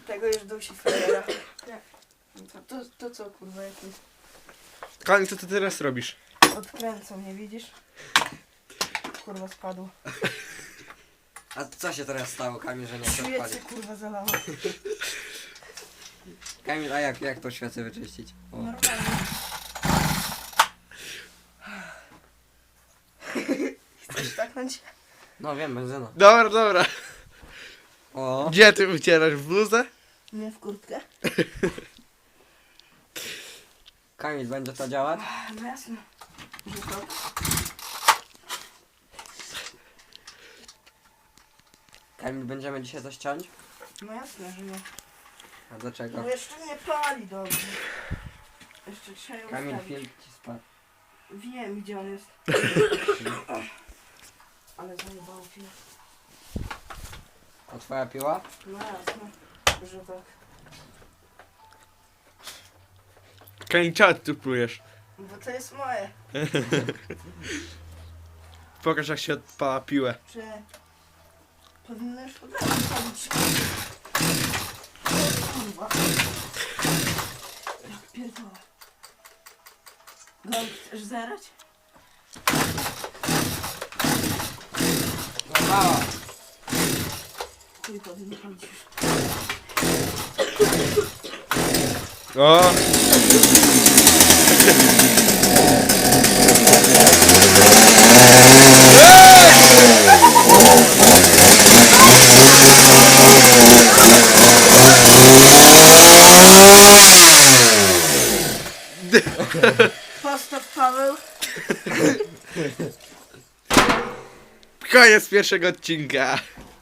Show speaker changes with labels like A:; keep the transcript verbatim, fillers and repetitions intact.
A: Tego już dusi frajera. To, to, to co kurwa jakieś?
B: Kamil, co ty teraz robisz?
A: Odkręcą mnie, widzisz? Kurwa spadło.
C: A co się teraz stało, Kamil, że nie chcesz
A: Świecę
C: odpalić?
A: kurwa zalała.
C: Kamil, a jak, jak to świecę wyczyścić? O.
A: Normalnie. Chcesz taknąć?
C: No wiem, benzyna.
B: Dobra, dobra.
C: O,
B: Gdzie ty wycierasz? W bluzę?
A: Nie w kurtkę?
C: Kamil, będzie to działać?
A: No jasne. Że to.
C: Kamil, będziemy dzisiaj coś ciąć?
A: No jasne, że nie.
C: A dlaczego?
A: No jeszcze nie pali dobrze. Jeszcze trzeba ją
C: Kamil,
A: ustawić.
C: film ci spadł.
A: Wiem gdzie on jest. Ale zajebało film.
C: A twoja piła?
A: No jasne, że tak.
B: Kamil, czemu ty tu plujesz?
A: Bo to jest moje.
B: Pokaż, jak się odpala piłę.
A: Czy powinno już od razu palić? Kurwa. Jak pierdolę. Gąb, chcesz zerać?
C: No mała.
A: Chuj powinno palić już.
B: O!
A: Postaw Paweł.
B: Koniec pierwszego odcinka.